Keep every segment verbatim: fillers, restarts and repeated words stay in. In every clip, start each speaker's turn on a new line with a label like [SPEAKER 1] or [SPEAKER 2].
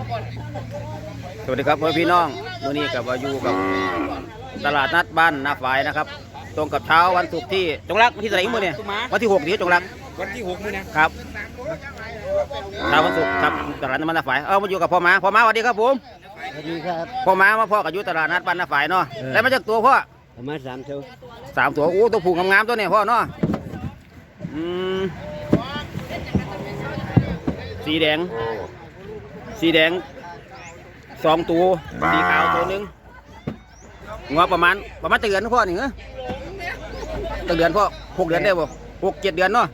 [SPEAKER 1] สวัสดีครับพี่น้องวันนี้กับวายูกับตลาดนัดบ้านนาฝายนะครับตรงกับเช้าวันศุกร์ที่จงรักวันที่เท่าไหร่มื้อเนี่ยวันที่หกนี้จงรัก
[SPEAKER 2] วันที่หกมื้อ
[SPEAKER 1] นะครับเช้าวันศุกร์ครับตลาดนัดบ้านนาฝายเอามาอยู่กับพ่อม้าพ่อม้าสวัสดีครับผม
[SPEAKER 3] สวัสดีครับ
[SPEAKER 1] พ่อม้ามาพ่อกับอยู่ตลาดนัดบ้านนาฝายเนาะได้มาจากตัวพ่อ
[SPEAKER 3] ประมาณสามตัว
[SPEAKER 1] สามตัวโอ้ตัวผูกงามๆตัวเนี่ยพ่อเนาะอืมสีแดงสีแดงสองตัวสีขาวตัวหนึ่งงอประมาณประมาณเดือนพ่อนี่เหรอเดือนพ่อหกเดือนได้บ่หกเจ็ดเดือนเนาะ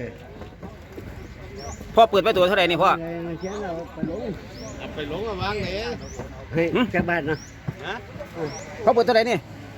[SPEAKER 1] พ่อเปิดไปตัวเท่าไหร่นี่พ่อ
[SPEAKER 3] เอาไปลงมาวางเลยเฮ้ยแค่บ้านนะ
[SPEAKER 1] เขาเปิดเท่าไหร่นี่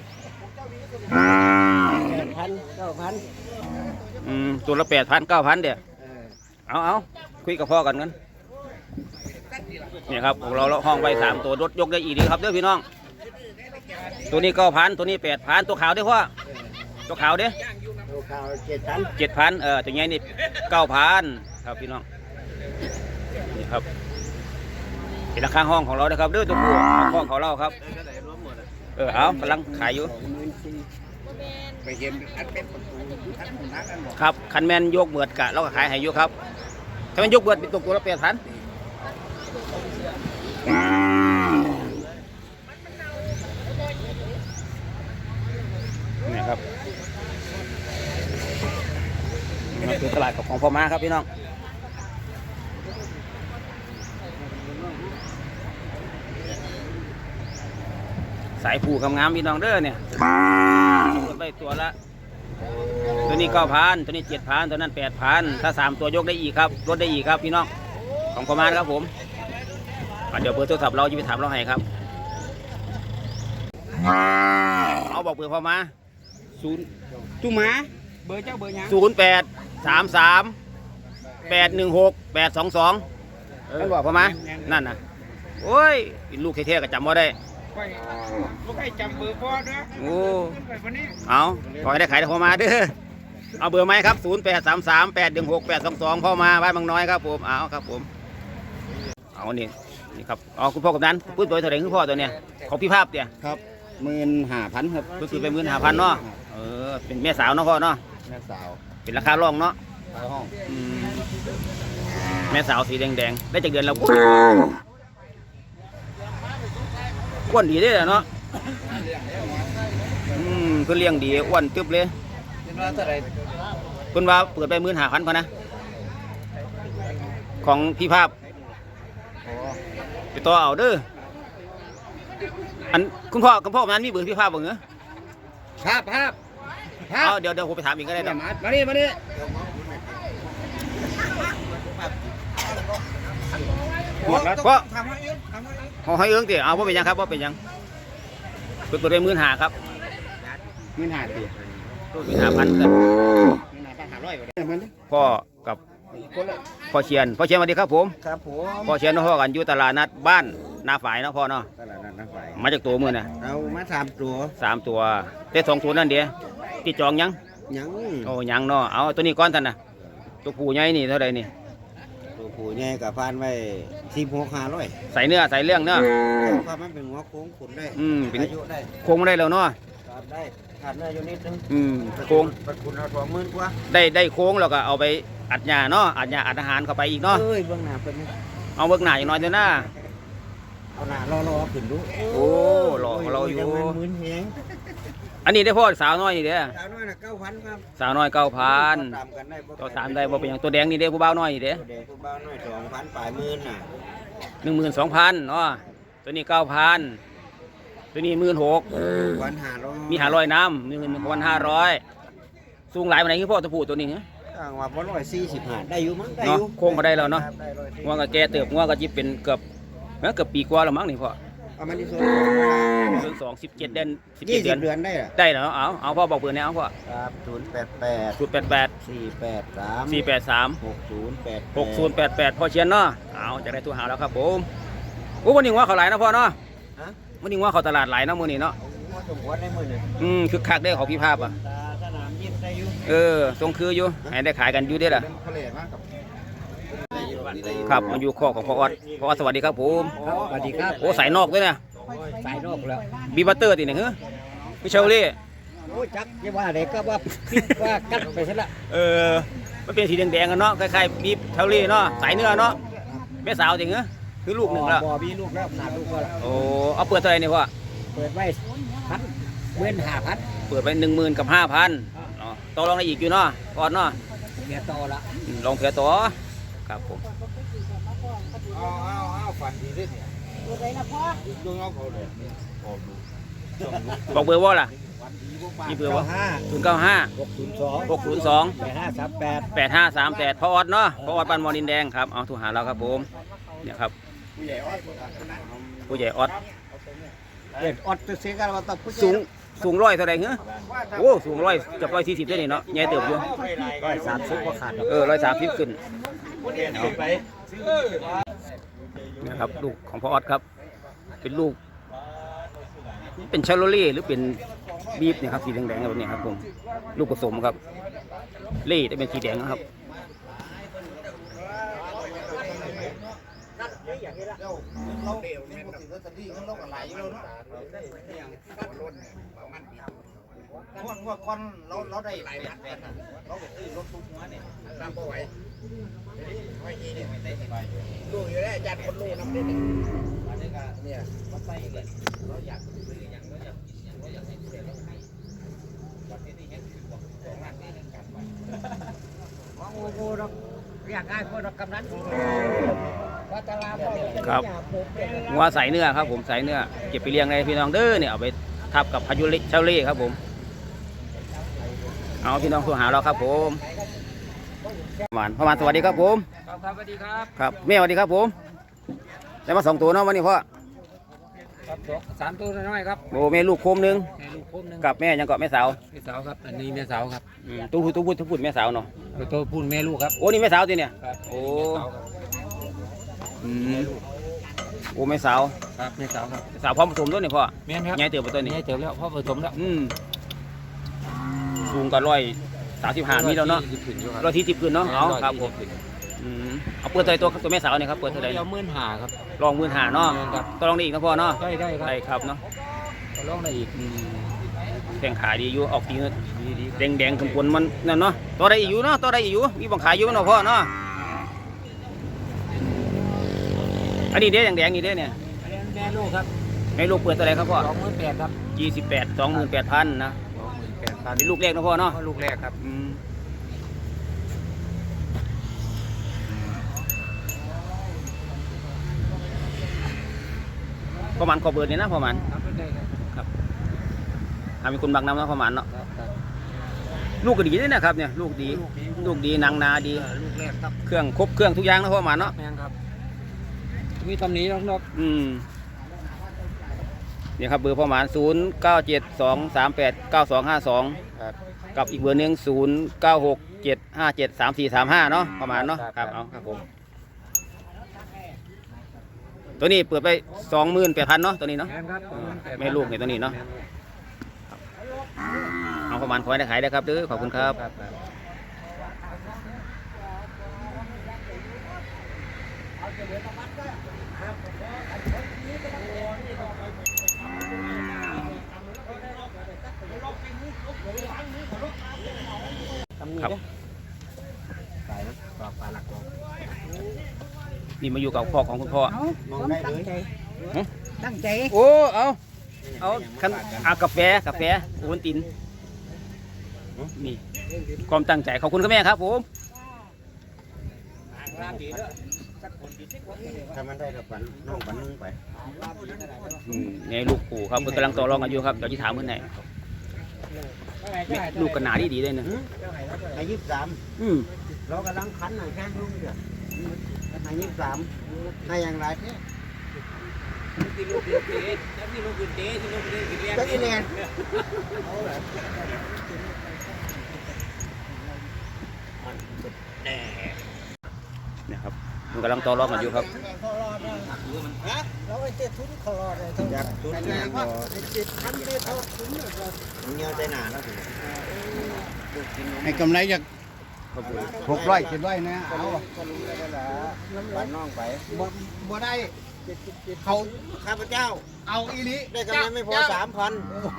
[SPEAKER 3] แปดพันเก้าพัน
[SPEAKER 1] อืมตัวละแปดพันเก้าพันเดี๋ยวเอาเอาคุยกับพ่อกันกันนี่ครับของเราเราห้องไว้สามตัวรถยกได้อีกดีครับเด้อพี่น้องตัวนี้เก้าพันตัวนี้แปดพันตัวขาวได้พ่อตัวขาวเด้
[SPEAKER 3] ตัวขาวเจ็ดพัน
[SPEAKER 1] เจ็ดพันเออตัวใหญ่นี่เก้าพันครับพี่น้องนี่ครับเป็นราคาห้องของเรานะครับเด้อตัวผู้ห้องของเราครับเออเอากำลังขายอยู่
[SPEAKER 2] ไปเห็นอันเป็น
[SPEAKER 1] ครับคันแมนยกเบิดกะเราก็ขายให้อยู่ครับถ้ามันยกเบิดเป็นตัวตัวละแปดพันนี่ครับนี่คือตลาดของพ่อม้าครับพี่น้องสายผูกงามๆพี่น้องเด้อเนี่ยไปตัวละตัวนี้เก้าพันตัวนี้เจ็ดพันตัวนั้นแปดพันถ้าสามตัวยกได้อีกครับลดได้อีกครับพี่น้องของพ่อม้าครับผมเดี๋ยวเบอร์โทรศัพท์เราจะไปถามเราให้ครับเอาบอกเบอร์พ่อม้า
[SPEAKER 2] ศูนย์ตุ้มหมาเบอร์เจ้าเบอร์ยัง
[SPEAKER 1] ศูนย์แปดสามสามแปดหนึ่งหกแปดสองสองนั่นบอกพ่อม้านั่นนะโอ้ยลูกเท่ๆก็จำว่าได้
[SPEAKER 2] ลูกให้จำเบอร์พ่อเด้อ
[SPEAKER 1] โอ้เอาขอให้ได้ขายพ่อม้าเด้อเอาเบอร์ไหมครับศูนย์แปดสามสามแปดหนึ่งหกแปดสองสองพ่อม้าบ้านบางน้อยครับผมเอาครับผมเอานี่นี่ครับอ๋อคุณพ่อกับนั้นพูดโดยเท่าไหร่คุณพ่อตัวเนี้ยของพี่ภาพเนี่ย
[SPEAKER 3] ครับหมื่นห้าพันครับ
[SPEAKER 1] ก็คือเป็นหมื่นห้าพันเนาะเออเป็นแม่สาวเนาะพ่อเนาะ
[SPEAKER 3] แม่สาว
[SPEAKER 1] เป็นราคาร่องเนาะ
[SPEAKER 3] ห้อง
[SPEAKER 1] แม่สาวสีแดงๆได้จากเดือนแล้วอ้วนดีได้เนาะอืมคือเลี้ยงดีอ้วนตึ๊บเลยคุณว่าเปิดไปหมื่นห้าพันพอนะของพี่ภาพไปต่อเอาเด้ออันคุณพ่อคุณพ่อนั้นมีเบอร์พี่ภาพบ้างเหรอ
[SPEAKER 3] ภาพภาพ
[SPEAKER 1] เอาเดี๋ยวเดี๋ยวผมไปถามอีกก็ได้
[SPEAKER 3] มามาดิมาดิ
[SPEAKER 1] เพราะเขาให้เอื้องตีเอาว่าเป็นยังครับว่าเป็นยังเปิดเปิดไปหมื่นห้าครับ
[SPEAKER 3] หมื่นห้าตี
[SPEAKER 1] หมื่นห้าพันกันพ่อกับพ่อเชียนพ่อเชียนสวัสดีครับผม
[SPEAKER 3] ครับผม
[SPEAKER 1] พ่อเชียนพ่อกันอยู่ตลาดนัดบ้านนาฝายเนาะพ่อเนาะ
[SPEAKER 3] ตลาดนัดนาฝาย
[SPEAKER 1] มาจากตัวมือน่ะ
[SPEAKER 3] เอามาสามตัว
[SPEAKER 1] สามตัวได้สองตัวนั่นเดียวติดจองยัง
[SPEAKER 3] ยัง
[SPEAKER 1] โอ้ยังเนาะเอาตัวนี้ก้อนท่านนะตัวผู้ใหญ่นี่เท่าไรนี่
[SPEAKER 3] ตัวผู้ใหญ่กับพันไว้สิบหกห้าร้อย
[SPEAKER 1] ใส่เนื้อใส่เรื่องเนาะ
[SPEAKER 3] ความมันเป็นหัวโค้งขุนได้
[SPEAKER 1] อืมเป็นโค้งได้แล้วเนาะ
[SPEAKER 3] ได้ขาดเนื้ออยู่นิดนึง
[SPEAKER 1] อืมโค้ง
[SPEAKER 3] ปัดคุณเอาตัวหมื่นกว่า
[SPEAKER 1] ได้ได้โค้งแล้วก็เอาไปอัดหญ้าเนาะอัดหญ้าอัดอาหารเข้าไปอีกเนาะ
[SPEAKER 3] เอ้ยเบื้องหน้าเป็น
[SPEAKER 1] เอาเบื้องหน้าอย่างน้อยเดี๋ยวหน้า
[SPEAKER 3] เอาหน้ารอรอขึ้นดู
[SPEAKER 1] โอ้รอเราอยู่อันนี้ได้พ่อสาวน้อยนี่เด้อ
[SPEAKER 3] สาวน้อยน่ะเก้าพันครับ
[SPEAKER 1] สาวน้อยเก้าพันตัวสามได้บ่เป็นอย่างตัวแดงนี่เด้ผู้บ่าวน้อยนี่เด้
[SPEAKER 3] ตัวแดงผู้บ่าวน้อยสองพันปลายหมื่นน่ะ
[SPEAKER 1] หนึ่งหมื่นสองพันเนาะตัวนี้เก้าพันตัวนี้หมื่นหก
[SPEAKER 3] วันห้าร้อย
[SPEAKER 1] มีห้าร้อยน้ำหนึ่งวันห้าร้อยสูงหลายวันไหนคือพ่อตัวผู้ตัวนี้เนี่ย
[SPEAKER 3] ว่าบอลร้อยสี่สิบห้าได้อยู่มั้งได้
[SPEAKER 1] อยู่โค้งก็ได้แล้วเนาะงัวก็แก่เติบงัวก็จิบเป็นเกือบเกือบปีกว่าแล้วมั้งนี่พ่อ
[SPEAKER 3] เอามันที่สอง
[SPEAKER 1] เดือนสองสิบเจ็ดเดือน
[SPEAKER 3] สิบเจ็ดเดือนได้
[SPEAKER 1] ได้แล้วเอาเอาพ่อบอกเบอร์เนี่ยเอาพ่อ
[SPEAKER 3] ครับศูนย์แปดแปด
[SPEAKER 1] ศูนย์แปดแปด
[SPEAKER 3] สี่แปดสาม
[SPEAKER 1] สี่แปดสาม
[SPEAKER 3] หกศูนย์แปด
[SPEAKER 1] หกศูนย์แปดแปดพ่อเชียนเนาะเอาจะได้ตัวหาแล้วครับผมโอ้วันนี้ว่าเขาหลายนะพ่อเนาะวันนี้ว่าเขาตลาดหลายนะมือนี่เนาะอืมคึกคักได้ของพี่ภาพอ่ะเออทรงคืออยู่ให้ได้ขายกันอยู่ได้ล่ะครับมาอยู่ข้อของพ่อออดพ่อออดสวัสดีครับผม
[SPEAKER 2] สวัสดีครับ
[SPEAKER 1] โอ้สายนอกด้วยเนี่ย
[SPEAKER 2] สายนอกแล้ว
[SPEAKER 1] บีบัตเตอร์ติเนี่ยเหรอพี่เชลลี่
[SPEAKER 2] โอ้จักยังว่าอะไรก็ว่าพิดว่ากัดไปซะละ
[SPEAKER 1] เออมันเป็นสีแดงๆกันเนาะคล้ายๆบีบเชลลี่เนาะสายเนื้อเนาะแม่สาวจริงเหรอคือลูกหนึ่งแล้ว
[SPEAKER 2] บ่มีลูกแล้วขาดลูกแล้ว
[SPEAKER 1] โอ้เอาเปิดเท่าไหร่เนี่ยพ่อ
[SPEAKER 2] เปิดไว้พันเว้นหาพัน
[SPEAKER 1] เปิดไปหนึ่งหมื่นกับห้าพันต่อรองได้อีกอยู่เนาะก่อนเนาะ
[SPEAKER 2] เมียโตละ
[SPEAKER 1] อืมลองเผื่อต่อครับผม
[SPEAKER 3] เอาเอาเอาฝันดีด้วยเนี่ยดูเอาเขาเลย
[SPEAKER 1] บอกเบอร์ว่าล่ะมีเบอร์ว่า
[SPEAKER 2] ห้า
[SPEAKER 1] ศูนย์เก้าห้า
[SPEAKER 2] หกศูนย์สอง
[SPEAKER 1] หกศูนย์สอง
[SPEAKER 2] แปดห้าสามแปด
[SPEAKER 1] แปดห้าสามแปดพ่อออดเนาะพ่อออดบ้านมอนินแดงครับเอาโทุหาเราครับผมเนี่ยครับผู้ใหญ่ออด
[SPEAKER 2] เด็ดออดตัวเสียกันว่าต้อง
[SPEAKER 1] สูงสูงร้อยเท่าไหร่เหรอโอ้สูงร้อยเกือบร้อยสี่สิบได้นี่เนาะใหญ่เติบอยู่
[SPEAKER 2] ร้อยสามสิบก็ขาด
[SPEAKER 1] เออร้อยสามสิบขึ้นนะครับลูกของพ่อออดครับ เป็นลูก เป็นชาโลเล่หรือเป็นบีฟเนี่ยครับสีแดงๆแบบนี้ครับผมลูกผสมครับเล่ได้เป็นสีแดงนะครับ
[SPEAKER 2] อยากได้พวกกำนันว่าตลาด
[SPEAKER 1] ครับงัวใส่เนื้อครับผมใส่เนื้อเก็บไปเลี้ยงในพี่น้องเด้อเนี่ยเอาไปทับกับพายุเชาเล่ครับผมเอาพี่น้องโทรหาเราครับผมประมาณประมาณสวัสดีครับผม
[SPEAKER 2] ครับครับสวัสดีครับ
[SPEAKER 1] ครับแม่สวัสดีครับผมได้มาสองตัวเนาะวันนี้พ่อ
[SPEAKER 2] ครับสามตัวน้อยครับ
[SPEAKER 1] โอ้แม่ลูกโคมหนึง
[SPEAKER 2] แม่ลูกคมหนึง
[SPEAKER 1] กับแม่ยังเกาะแม่สาว
[SPEAKER 2] แม่สาวครับอันนี้แม่สาวครับ
[SPEAKER 1] อืมตู้พูดตู้พูดตู้พูดแม่สาวเนาะ
[SPEAKER 2] ตัวพูดแม่ลูกครับ
[SPEAKER 1] โอ้นี่แม่สาวจีเนี่ย
[SPEAKER 2] ครับ
[SPEAKER 1] โอ้อืมโอ้แม่สาว
[SPEAKER 2] ครับแม่สาวครับ
[SPEAKER 1] สาวพร้อมผสมด้วยนี่พ่อ
[SPEAKER 2] แม่ครับ
[SPEAKER 1] ใหญ่เติบไปตัวนี้
[SPEAKER 2] แม่เติบแล้วพ่อผสมแล้ว
[SPEAKER 1] อืมสูงกันร้อยสามสิบห้ามีแล้วเนาะร้อยที่สิบขึ้นเนาะเอาครับผมอืมเอาเปิดเท่าไหร่ตัวตัวแม่สาวเนี่ยครับเปิดเท่าไหร่
[SPEAKER 2] เราหมื่นห้าครับ
[SPEAKER 1] ลองหมื่นหาเนาะ
[SPEAKER 2] ครับ
[SPEAKER 1] ต้องลองได้อีกนะพ่อเนาะ
[SPEAKER 2] ได้ได้ครับ
[SPEAKER 1] ได้ครับเนาะ
[SPEAKER 2] ก็ลองได้อีก
[SPEAKER 1] อืมแข่งขาดีอยู่ออกดีเนอะ
[SPEAKER 2] ดีดี
[SPEAKER 1] แดงแดงๆขนๆมันนั่นเนาะตัวใดอีกอยู่เนาะตัวใดอีกอยู่มีบังขายอยู่เนาะพ่อเนาะอันนี้เด้แดงแดงๆนี่เด้เนี่ย
[SPEAKER 2] แม่ลูกครับ
[SPEAKER 1] ให้ลูกเปิดเท่าไหร่ครับพ่อ
[SPEAKER 2] สองหมื่นแปดครับ
[SPEAKER 1] ยี่สิบแปดสองหมื่นแปดพันนะ
[SPEAKER 2] สองหมื่นแปดพัน
[SPEAKER 1] เป็นลูกแรกนะพ่อเนาะ
[SPEAKER 2] ลูกแรกครับ
[SPEAKER 1] อืมประมาณขอเบิร์ดเนี่ยนะประมาณ
[SPEAKER 2] ครับได้ครับ
[SPEAKER 1] หามีคนบักน้ำนะประมาณเนาะ
[SPEAKER 2] ครับครับ
[SPEAKER 1] ลูกก็ดีด้วยนะครับเนี่ยลูกดีลูกดีนางนาดี
[SPEAKER 2] เออลูกแรกครับ
[SPEAKER 1] เครื่องครบเครื่องทุกอย่างนะประมาณเนาะ
[SPEAKER 2] แม่งครับมีตำหนินอก
[SPEAKER 1] อืมเนี่ยครับเบอร์ประมาณศูนย์เก้าเจ็ดสองสามแปดเก้าสองห้าสอง
[SPEAKER 2] ครับ
[SPEAKER 1] กับอีกเบอร์หนึ่งศูนย์เก้าหกเจ็ดห้าเจ็ดสามสี่สามห้าเนาะประมาณเนาะครับเอาครับผมตัวนี้เปิดไปสองหมื่นแปดพันเนาะตัวนี้เนาะ
[SPEAKER 2] แม่งครับ
[SPEAKER 1] แม่ลูกเนี่ยตัวนี้เนาะเอาประมาณคอยได้ขายได้ครับเด้อขอบคุณครับ
[SPEAKER 2] ครับ
[SPEAKER 1] ครับ
[SPEAKER 2] สายนะปลาปลาหลักของ
[SPEAKER 1] นี่มาอยู่กับพ่อของคุณพ่อ
[SPEAKER 2] มองได้เลย
[SPEAKER 4] ตั้งใจ
[SPEAKER 1] โอ้เอาเอาคันอากาแฟกาแฟโอวัลตินนี่ความตั้งใจขอบคุณครับแม่ครับผม
[SPEAKER 3] ถ้ามันได้กับฝันน้องฝันนึงไป
[SPEAKER 1] อืมในลูกปู่ครับเพิ่นกำลังต่อรองกันอยู่ครับเดี๋ยวจะถามเพื่อนไหนลูกกันหนาดีดีเลยนะ
[SPEAKER 3] อายุสาม
[SPEAKER 1] อืม
[SPEAKER 3] เรากำลังขันหน่อยแค่ลูกเดียวอายุสามให้อย่างไรเนี่ยก็อีแลน
[SPEAKER 1] เนี่ยครับมันกำลังต่อรองกันอยู่ครับ
[SPEAKER 4] เราไอ้เจ็ดทุนคอเลยเท่า
[SPEAKER 3] อยากตุนแรงก็เจ็ดพันได้เท่าตุนเงี้ยใจหนาแล้วสิ
[SPEAKER 2] ให้กำไรจาก
[SPEAKER 1] ครับผม
[SPEAKER 3] หกร้อยเจ็ดร้อยนะเอา
[SPEAKER 2] บ้านน้องไป
[SPEAKER 3] บ่บ่ได้เขา
[SPEAKER 2] ข้าพเจ้า
[SPEAKER 3] เอาอีหลิ
[SPEAKER 2] ได้กำไรไม่พอสามพัน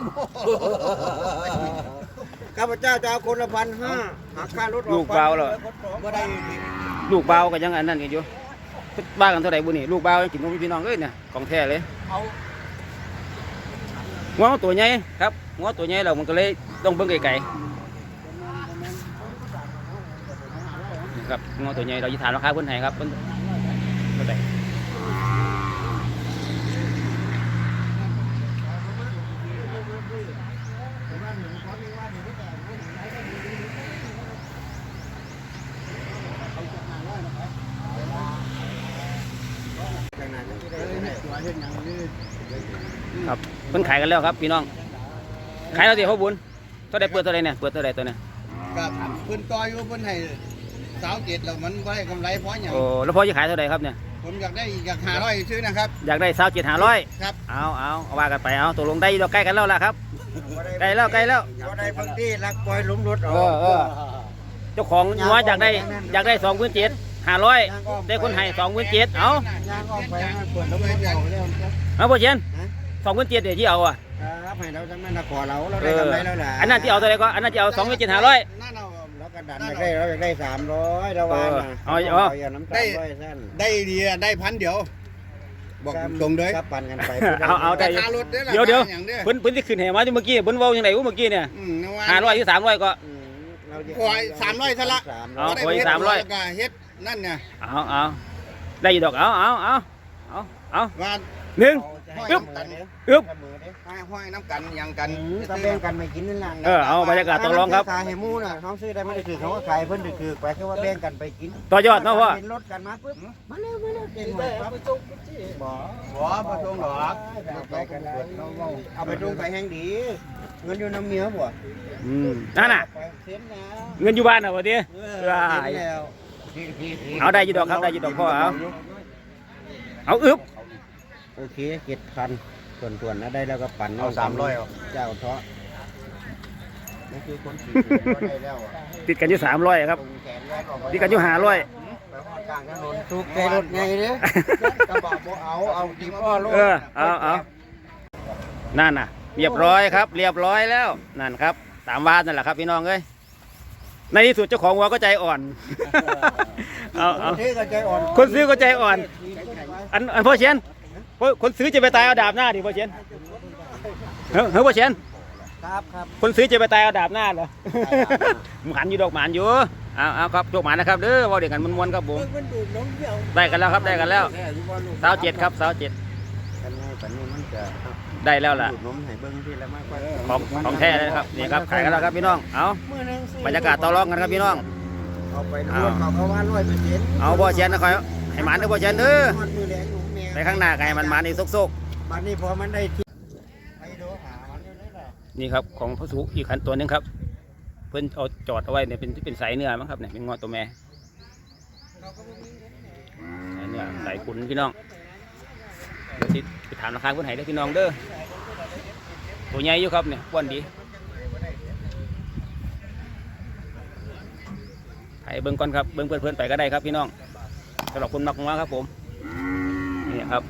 [SPEAKER 2] ข้าพเจ้าจะเอาคนละพันห้าหักค่ารถออก
[SPEAKER 1] ลูกเบาเหรอ
[SPEAKER 2] บ่ได้
[SPEAKER 1] ลูกเบาก็ยังอันนั้นกันอยู่บ้ากันเท่าไหร่บุนี่ลูกเบายังกินนมพี่น้องเลยเนี่ยของแท้เลย
[SPEAKER 3] เอา
[SPEAKER 1] งัวมันตัวใหญ่ครับงัวตัวใหญ่เรามันก็เลยต้องเบิ่งไกลๆนี่ครับงัวตัวใหญ่เราจะถามราคาเพิ่นให้ครับเพิ่นเท่าไหร่ครับเพิ่นขายกันแล้วครับพี่น้องขายแล้วสิพ่อบุญเท่าไหร่เปิดเท่าไหร่เนี่ยเปิดเท่าไหร่ตัวเนี่ย
[SPEAKER 3] กับเพิ่นต่ออยู่เพิ่นให้สาวเจ็ดแล้วมันบ่ได้กำไรเพราะหยัง
[SPEAKER 1] โอ้แล้วพ่อจะขายเท่าไหร่ครับเนี่ย
[SPEAKER 3] ผมอยากได้อยากหาร้อยซื้อนะครับ
[SPEAKER 1] อยากได้สาวเจ็ดห้าร้อย
[SPEAKER 3] ครับ
[SPEAKER 1] เอาเอาเอาว่ากันไปเอาตกลงได้เราใกล้กันแล้วล่ะครับใกล้แล้วใกล้แล้ว
[SPEAKER 2] บ่ได้บางที่รักปล่อยหลุมรถอ
[SPEAKER 1] เอ
[SPEAKER 2] อ
[SPEAKER 1] อก เออเจ้าของงัวอยากได้อยากได้สองพื้นเจ็ดห้าร้อยได้คนให้สองพื้นเจ็ดเอา
[SPEAKER 2] ย่างออกไปให้เปิดแล้วมันเอาแล้ว
[SPEAKER 1] เอาพ่อเชียนสองพื้นเจ็ดเดี๋ยวที่เอาอ่ะ
[SPEAKER 2] ครับให้เราจังแม่นขอเราเรา
[SPEAKER 1] เอ
[SPEAKER 2] ได้
[SPEAKER 1] อก
[SPEAKER 2] ำไรแล้วล่ะ
[SPEAKER 1] อันนั้นที่เอาตัวไหนก็อันนั้นที่เอาสองพื้นเจ็ดห้าร้อย
[SPEAKER 3] นั่นเอา
[SPEAKER 2] เรากระดันอยากได้เราอยากได้สามร้อยเราว่าน่ะ
[SPEAKER 1] เอาเอา
[SPEAKER 2] อย่าน้ำตาลร้อยสั้น
[SPEAKER 3] ได้ดีอะได้พันเดียว บอกตรงเลย
[SPEAKER 2] ครับปั่นกันไป
[SPEAKER 1] เอาเอาได้
[SPEAKER 3] ราคารถด้อ
[SPEAKER 1] เดี๋ยวเดี๋ยว
[SPEAKER 3] ราคาอย่างเด้อ
[SPEAKER 1] เพิ่นเพิ่นที่ขึ้นให้มาที่เมื่อกี้เพิ่นเว้ายังไงวะเมื่อกี้เนี่ย
[SPEAKER 3] อืมนึกว่า
[SPEAKER 1] ห้าร้อยหรือสามร้อยก็
[SPEAKER 2] อืมเราจะ
[SPEAKER 3] โอ้ยสามร้อยซะละ
[SPEAKER 2] สาม
[SPEAKER 1] เอา
[SPEAKER 2] ร้อย
[SPEAKER 1] โอ้ยสามร้อย
[SPEAKER 3] แล้วก็เฮ็ดนั่นเนี่ย
[SPEAKER 1] เอาเอาได้อยู่ดอกเอาเอาเอาเอาเอา
[SPEAKER 3] ว่า
[SPEAKER 1] หนึ่ง
[SPEAKER 3] อึ๊
[SPEAKER 1] อึ๊
[SPEAKER 3] บบ
[SPEAKER 1] อึ๊บ
[SPEAKER 3] ห้อยห้อยน้ำกันอย่างกัน
[SPEAKER 2] ก็แบ่งกันไม่กินนั่นแหละ
[SPEAKER 1] เออเอาบรรยากาศต่อรองครับ
[SPEAKER 2] ขายให้หมูน่ะเขาซื้อได้ไม่ได้ถือเขาก็ขายเพิ่นถือคือไปแค่ว่าแบ่งกันไปกิน
[SPEAKER 1] ต่อยอดเนาะพ่อ
[SPEAKER 2] เห็นรถกันมาปุ๊บมาเร็วมาเร็วเก่งหน่อยครับบ่
[SPEAKER 3] บ่บ่ตรงหรอก
[SPEAKER 2] ไปกันได้เอาไปดุงไปแห้งดีเงินอยู่น้ำเมียบ่
[SPEAKER 1] อืมนั่นน่ะ
[SPEAKER 2] ไปเซ็นแล้ว
[SPEAKER 1] เงินอยู่บ้านน่ะวะดิ
[SPEAKER 2] เออเซ็นแล้ว
[SPEAKER 1] เอาได้อยู่ดอกครับได้อยู่ดอกพ่อเอาเอาอึ๊บ
[SPEAKER 2] โอเคเจ็ดพันส่วนส่วนๆนะได้แล้วก็ปั่น
[SPEAKER 3] เอาสามร้อยเอา
[SPEAKER 2] เจ้าเถาะนี่คือคนขี่ก็ได้แล้วอะ
[SPEAKER 1] ติดกันอยู่สามร้อยครับ
[SPEAKER 2] ตรงแขนแรกออกไป
[SPEAKER 1] ติดกันอยู่ห้าร้อย
[SPEAKER 2] ไปหอดกลางถนนทุกใจรถไงเด้อกระบะบ่เอาเอาตีพ่อรถ
[SPEAKER 1] เออเอาเอานั่นน่ะ เรียบร้อยครับ เรียบร้อยแล้วนั่นครับตามวาดนั่นแหละครับพี่น้องเอ้ยในที่สุดเจ้าของวัวก็ใจอ่อน เอาเอา
[SPEAKER 2] คนซื้อก็ใจอ่อน
[SPEAKER 1] คนซื้อก็ใจอ่อน อันอันพ่อเชียนพ่อคนซื้อจะไปตายเอาดาบหน้าดิพ่อเชียนเฮ้ยเฮ้ยพ่อเชียน
[SPEAKER 2] ครับครับ
[SPEAKER 1] คนซื้อจะไปตายเอาดาบหน้าเหรอ หมันอยู่ดอกหมันอยู่เอาเอาครับโชคหมันนะครับเด้อว่าเด็กกันมวนๆครับผม
[SPEAKER 2] มันดูดน้องเดียว
[SPEAKER 1] ได้กันแล้วครับได้กันแล้วสาวเจ็ดครับสาวเจ็ด
[SPEAKER 2] กันไงปันนี้มันจะ
[SPEAKER 1] ได้แล้วล่ะ
[SPEAKER 2] ดูดนมให้เบิ้งที่แล้วมากกว่า
[SPEAKER 1] ของของแท้เลยนะครับนี่ครับขายกันแล้วครับพี่น้องเอา
[SPEAKER 2] มื้อหนึงซื้อบ
[SPEAKER 1] รรยากาศต่อรองกันครับพี่น้อง
[SPEAKER 2] เอาไปรวดเขาเขาว่าร้อยเปอร์เซ็นต์
[SPEAKER 1] เอาพ่อเชียนนะครับให้หมันเด้อพ่อเชียนเด้อ
[SPEAKER 2] ฮอดมือแรงหนูแม่
[SPEAKER 1] ไปข้างหน้าก็ให้มันหมันอีกซก
[SPEAKER 2] บัดนี้พอมันได้ที่ไปดูหามันอยู่ได้ล่ะ
[SPEAKER 1] ๆนี่ครับของพระสุอีกขันตัวหนึงครับ เพิ่นเอาจอดเอาไว้เนี่ยเป็นเป็นสายเนื้อมั้งครับเนี่ยเป็นงอตัวแม่สายเนื้อสายขุนพี่น้องเดี๋ยวสิไปถามราคาเพิ่นให้เด้อพี่น้องเด้อตัวใหญ่อยู่ครับเนี่ยอ้วนดีให้เบิ่งก่อนครับเบิ่งเพื่อนๆไปก็ได้ครับพี่น้องสำหรับคนมักงัวครับผมนี่ครับ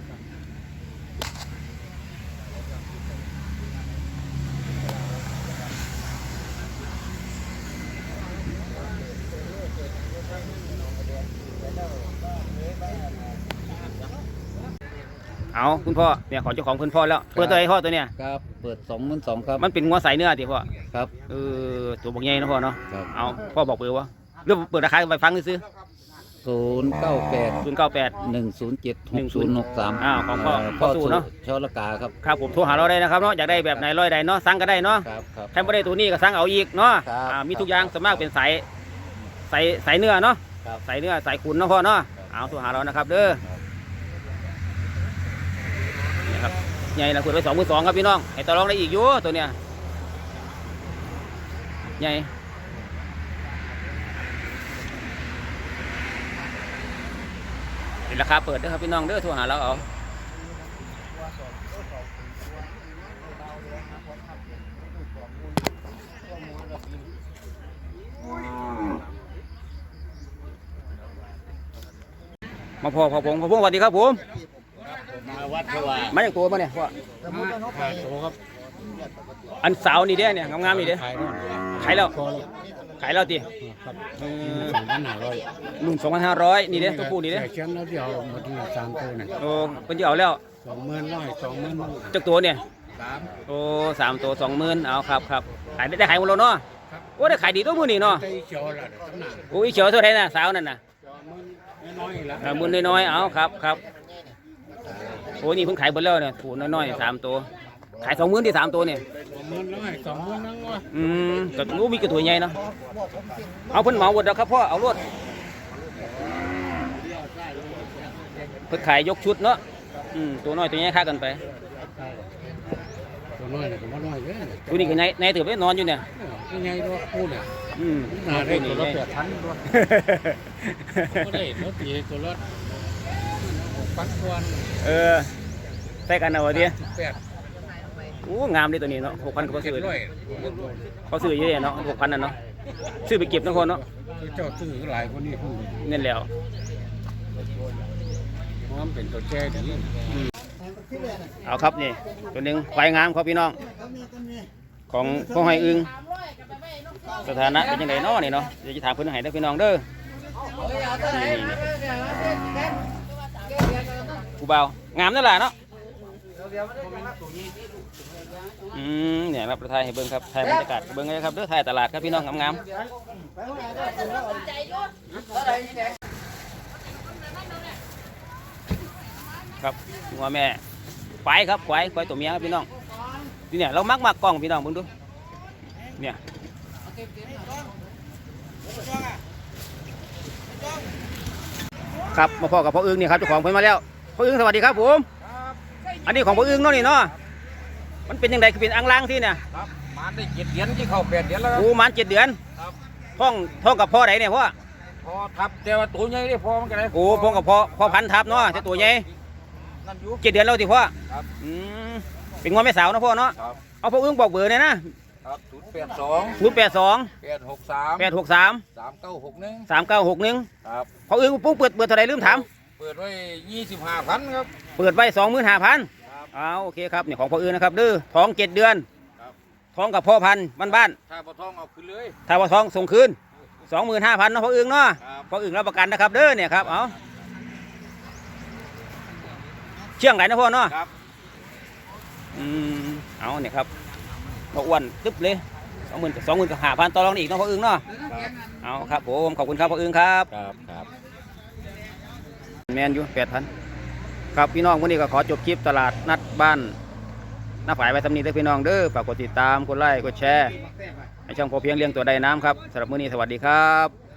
[SPEAKER 1] เอาคุณพ่อเนี่ยของเจ้าของคุณพ่อแล้วเปิดตัวไอ้พ่อตัวเนี่ย
[SPEAKER 5] ครับ เปิดสองหมื่นสองครับ
[SPEAKER 1] มันเป็นงัวสายเนื้อติพ่อ
[SPEAKER 5] ครับ
[SPEAKER 1] เออตัวบอกใหญ่นะพ่อเนาะ
[SPEAKER 5] ครับ
[SPEAKER 1] เอาพ่อบอกเบอร์วะเรื่องเปิดราคาไปฟังซื้อ
[SPEAKER 5] ศูนย์เก้าแปด
[SPEAKER 1] ศูนย์เก้าแปด
[SPEAKER 5] หนึ่งศูนย์เจ็ดหกศูนย์หกสาม
[SPEAKER 1] อ้าวของพ่อพ่
[SPEAKER 5] พ่
[SPEAKER 1] อ
[SPEAKER 5] อ
[SPEAKER 1] สู่
[SPEAKER 5] สู่
[SPEAKER 1] เนอะ
[SPEAKER 5] ชอละกาครับ
[SPEAKER 1] ครับผมโทรหาเราได้นะครับเนาะอยากได้แบบไหนร้อยใดเนาะสั่งก็ได้เนาะ
[SPEAKER 5] ครับครับ
[SPEAKER 1] ใครไม่ได้ตัวนี้ก็สั่งเอาอีกเนาะ
[SPEAKER 5] ครับ
[SPEAKER 1] อ่ามีทุกอย่างส่วนมากเป็นสายสายสายเนื้อเนาะ
[SPEAKER 5] ครับ
[SPEAKER 1] สายเนื้อสายขุนเนาะพ่อเนาะเอาโทรหาเรานะครับเด้อนี่ครับใหญ่ละเปิดไปสองหมื่นสองครับพี่น้องให้ต่อรองได้อีกอยู่ตัวเนี้ยใหญ่เป็นราคาเปิดเด้อครับพี่น้องเด้อโทรหาเราเอามาพ่อพ่อผมพ่อผมสวัสดีครับผม
[SPEAKER 3] มาวัดเพราะว่า
[SPEAKER 1] มาจากตัวมาเนี่ยพ่อ
[SPEAKER 3] ขาดโตครับ
[SPEAKER 1] อันสาวนี่เด้เนี่ยงามๆนี่เด้
[SPEAKER 3] ขายด้วย
[SPEAKER 1] ขายแล้ว
[SPEAKER 3] พอแล้ว
[SPEAKER 1] ขายแล้วติ
[SPEAKER 3] ครับ
[SPEAKER 1] เออ
[SPEAKER 3] สองพันห้าร้อย
[SPEAKER 1] หนึ่งสองพันห้าร้อยนี่เด้ตัวผู้นี่เด้
[SPEAKER 3] แต่เชียงแล้วเดียวหมดที่สามตัวเนี่ย
[SPEAKER 1] โอ้เพิ่นจะเอาแล้ว
[SPEAKER 3] สองหมื่นร้อยสองหมื่น
[SPEAKER 1] จากตัวเนี่ย
[SPEAKER 3] สาม
[SPEAKER 1] โอ้สามตัวสองหมื่นเอาครับครับขายได้ได้ขายหมดแล้วเนาะโอ้ได้ขายดีตัวมื้อนี้เนาะ
[SPEAKER 3] ใจเขียวละเดี๋ยวตั้งนาน
[SPEAKER 1] โอ้ยเขียวเท่าไหร่น่ะสาวนั่นน่ะ
[SPEAKER 3] สองหมื่นน้อยๆละ
[SPEAKER 1] อ่าหมื่นน้อยๆเอาครับครับโอ้นี่เพิ่งขายหมดแล้วเนี่ยถูกน้อยๆสามตัวขายสองหมื่นที่สามตัวเนี่ย
[SPEAKER 3] สองหมื่นร้อยสองหมื่นนั่งวะ
[SPEAKER 1] อืมก็รู้มีกระตัวใหญ่เนาะเอาเพิ่นเหมาหมดแล้วครับพ่อเอารวดเพิ่นขายยกชุดเนาะอืมตัวน้อยตัวใหญ่ค่ากันไป
[SPEAKER 3] ตัวน้อยเนี่ยก็บ่น้อยเยอะ
[SPEAKER 1] ตัวนี้ก็ในในถือไปนอนอยู่เนี่ย
[SPEAKER 3] ยังไงด้วยพูดเนี่ย
[SPEAKER 1] อืม
[SPEAKER 3] น่าได้
[SPEAKER 1] นี่
[SPEAKER 3] ตัวละ
[SPEAKER 1] ใหญ่
[SPEAKER 3] แปดพันด้วยก็ได้รถตีตัวละหกพันกว่า
[SPEAKER 1] เออใส่กันเอาเดีย
[SPEAKER 3] แปด
[SPEAKER 1] โอ้งามดิตัวนี้เนาะหกพันเขา
[SPEAKER 3] เจ็
[SPEAKER 1] ซื้
[SPEAKER 3] ด
[SPEAKER 1] อ
[SPEAKER 3] ร้อย
[SPEAKER 1] เขาซื้อเยอะๆเนาะหกพันน่ะเนาะซื้อไปเก็บนะคนเนาะ
[SPEAKER 3] เจ้าซื้อหลายคนนี่พูด
[SPEAKER 1] นี่นแหล้ว
[SPEAKER 3] เพราะมันเป็นตัวแช่ดี
[SPEAKER 1] เอาครับนี่ตัวหนึ่งควายงามครับพี่น้องของพ่อหอยอึงสถานะเป็นยังไงเนาะนี่เนาะเดี๋ยวจะถามเพื่อนให้ได้อพี่น้องเด้อนี่นี่ผู้เบางามนั่นแหละเนาะอืมเนี่ยครับประทายให้เบิ้งครับถ่ายบรรยากาศเบิ้งเลยครับเด้อถ่ายตลาดครับพี่น้องงามๆครับงัวแม่ควายครับควายควายตัวเมียครับพี่น้องนี่เนี่ยเรามักมากกล้องพี่น้องเบิ่งดูเนี่ยครับมาพ่อกับพ่ออึ้งนี่ครับเจ้าของเพิ่นมาแล้วพ่ออึ้งสวัสดีครับผมอันนี้ของพ่ออึ้งเนาะนี่เนาะมันเป็นยังไงคือเป็นอ่างล้างที่เนี่ย
[SPEAKER 3] ครับมันได้เจ็ดเดือนที่เข้าแปดเดือนแล้วครับ
[SPEAKER 1] โอ้มันเจ็ดเดือน
[SPEAKER 3] ครับ
[SPEAKER 1] ท้องท้องกับพ่อไหนเนี่ยพ่อ
[SPEAKER 3] พอทับแต่ว่าตัวใหญ่ได้พอมันก็ได้
[SPEAKER 1] โอ้พ่อกับพ่อพ่อพันธุ์ทับเนาะแต่ตัวใหญ่
[SPEAKER 3] นั่นอยู่
[SPEAKER 1] เจ็ดเดือนแล้วที่พ่อ
[SPEAKER 3] ครับ
[SPEAKER 1] อืมเป็นงวแม่สาวเนาะพ่อเนาะ
[SPEAKER 3] ครับ
[SPEAKER 1] เอาพ่ออึ้งบอกเบอร์เนี่ยนะครับ
[SPEAKER 3] ศูนย์แปดสอง
[SPEAKER 1] ศูนย์แปดสอง
[SPEAKER 3] แปดหกสาม
[SPEAKER 1] แปดหกสาม
[SPEAKER 3] สามเก้าหกหนึ่ง
[SPEAKER 1] สามเก้าหกหนึ่ง
[SPEAKER 3] ครับ
[SPEAKER 1] พ่ออึ้งปุ๊บเปิดเปิดเท่าไหรลืมถาม
[SPEAKER 3] เปิดไว้ยี่สิบห้าพันครับ
[SPEAKER 1] เปิดไว้สองหมื่นห้าพัน
[SPEAKER 3] ครับ
[SPEAKER 1] เอาโอเคครับเนี่ยของพ่ออึ้งนะครับดื้อท้องเจ็ดเดือน
[SPEAKER 3] ครับ
[SPEAKER 1] ท้องกับพ่อพันธุ์บ้านบ้าน
[SPEAKER 3] ถ้าปลาทองเอาขึ้นเลย
[SPEAKER 1] ๆถ้าว่าท้องส่งคืนสองหมื่นห้าพันเนาะพ่ออึ้งเนาะ
[SPEAKER 3] ครับ
[SPEAKER 1] พ่ออึ้งรับประกันนะครับเด้อเนี่ยครับเอาเชื่องไหนนะพ่อเนาะ
[SPEAKER 3] ครับ
[SPEAKER 1] อืมเอาเนี่ยครับพ่ออ้วนตึ๊บเลยสองหมื่นสองหมื่นกับห้าพันต่อรองได้อีกเนาะพ่ออึ้งเนาะ
[SPEAKER 3] ครับ
[SPEAKER 1] เอาครับผมขอบคุณครับพ่ออึ้งครับ
[SPEAKER 3] ครับครับ
[SPEAKER 1] แมนอยู่แปดพันครับพี่น้องวันนี้ก็ขอจบคลิปตลาดนัดบ้านหน้าฝ่ายไว้สำนีเด้อพี่น้องเด้อฝากกดติดตามกดไลค์กดแชร์ให้ช่องพอเพียงเลี้ยงตัวใดน้ำครับสำหรับมื้อนี้สวัสดีครับ